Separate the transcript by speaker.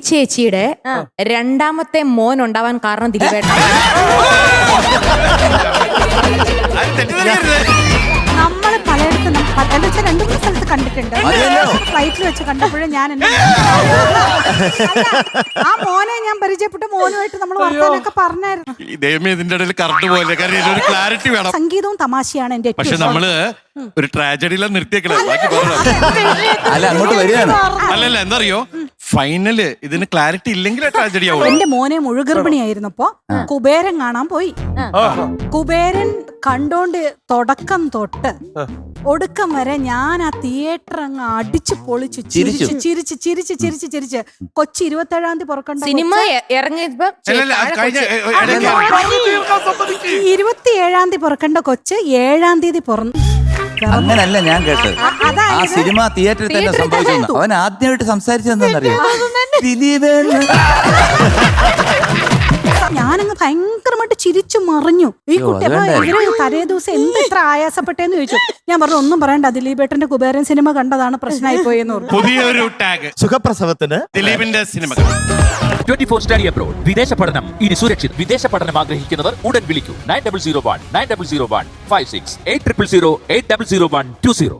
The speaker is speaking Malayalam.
Speaker 1: ചേച്ചിയുടെ രണ്ടാമത്തെ മോൻ ഉണ്ടാവാൻ കാരണം ദിലീപേട്ടൻ.
Speaker 2: നമ്മള് പലയിടത്തും രണ്ടു മൂന്ന് സ്ഥലത്ത് കണ്ടിട്ടുണ്ട്. ഫ്ലൈറ്റിൽ വെച്ച് കണ്ടപ്പോഴും ഞാൻ ആ മോനെ ഞാൻ പരിചയപ്പെട്ട മോനുമായിട്ട് നമ്മൾ വർത്തമാനമൊക്കെ പറഞ്ഞായിരുന്നു.
Speaker 3: ഇതിന്റെ ഇടയിൽ കറണ്ട് പോലെ ക്ലാരിറ്റി വേണം.
Speaker 2: സംഗീതവും തമാശയാണ് എന്റെ
Speaker 3: പക്ഷെ നമ്മള് ഒരു ട്രാജഡിയിലാ നിർത്തിയേക്കണേ.
Speaker 4: അല്ല അങ്ങോട്ട് വരികയാണ്.
Speaker 3: അല്ലല്ല എന്തറിയോ, ഫൈനല് ഇതിന് ക്ലാരിറ്റി ഇല്ലെങ്കിൽ ട്രാജഡി ആവും.
Speaker 2: എന്റെ മോനെ മുഴുഗർഭിണിയായിരുന്നപ്പോ കുബേരൻ കാണാൻ പോയി. കുബേരൻ കണ്ടോണ്ട് തുടക്കം തൊട്ട് ഒടുക്കം വരെ ഞാൻ ആ തിയേറ്റർ അങ്ങ് അടിച്ചു പൊളിച്ചു ചിരിച്ച് ചിരിച്ച് ചിരിച്ച് ചിരിച്ച് ചിരിച്ച്. കൊച്ചി 27-ാം തീയതി പുറക്കണ്ട
Speaker 1: സിനിമ ഇറങ്ങിയപ്പോ
Speaker 2: 27-ാം തീയതി പുറക്കേണ്ട കൊച്ച് 7-ാം തീയതി പുറന്നു.
Speaker 4: അങ്ങനല്ല ഞാൻ കേട്ടത്. ആ സിനിമ തിയേറ്ററിൽ തന്നെ സംഭവിച്ചു. അവൻ ആദ്യമായിട്ട് സംസാരിച്ചതെന്നറിയോ? ദിലീപേണ്.
Speaker 2: ഞാനങ്ങ് ഭയങ്കരമായിട്ട് ചിരിച്ചു മറിഞ്ഞു. ഈ കുട്ടി അപ്പൊ ഇവര് തലേ ദിവസം എന്ത് ഇത്ര ആയാസപ്പെട്ടേന്ന് ചോദിച്ചു. ഞാൻ പറഞ്ഞു ഒന്നും പറയണ്ട, ദിലീപേട്ടന്റെ കുബേരൻ സിനിമ കണ്ടതാണ് പ്രശ്നമായി പോയെന്ന് പറഞ്ഞു.
Speaker 3: പുതിയൊരു ടാഗ്
Speaker 5: സുഖപ്രസവത്തിന്
Speaker 3: ദിലീപിന്റെ സിനിമ.
Speaker 6: 24 study abroad. വിദേശ പഠനം ഇനി സുരക്ഷിത്. വിദേശ പഠനം ആഗ്രഹിക്കുന്നവർ ഉടൻ വിളിക്കൂ 9001 9001 56 8000 8001 20.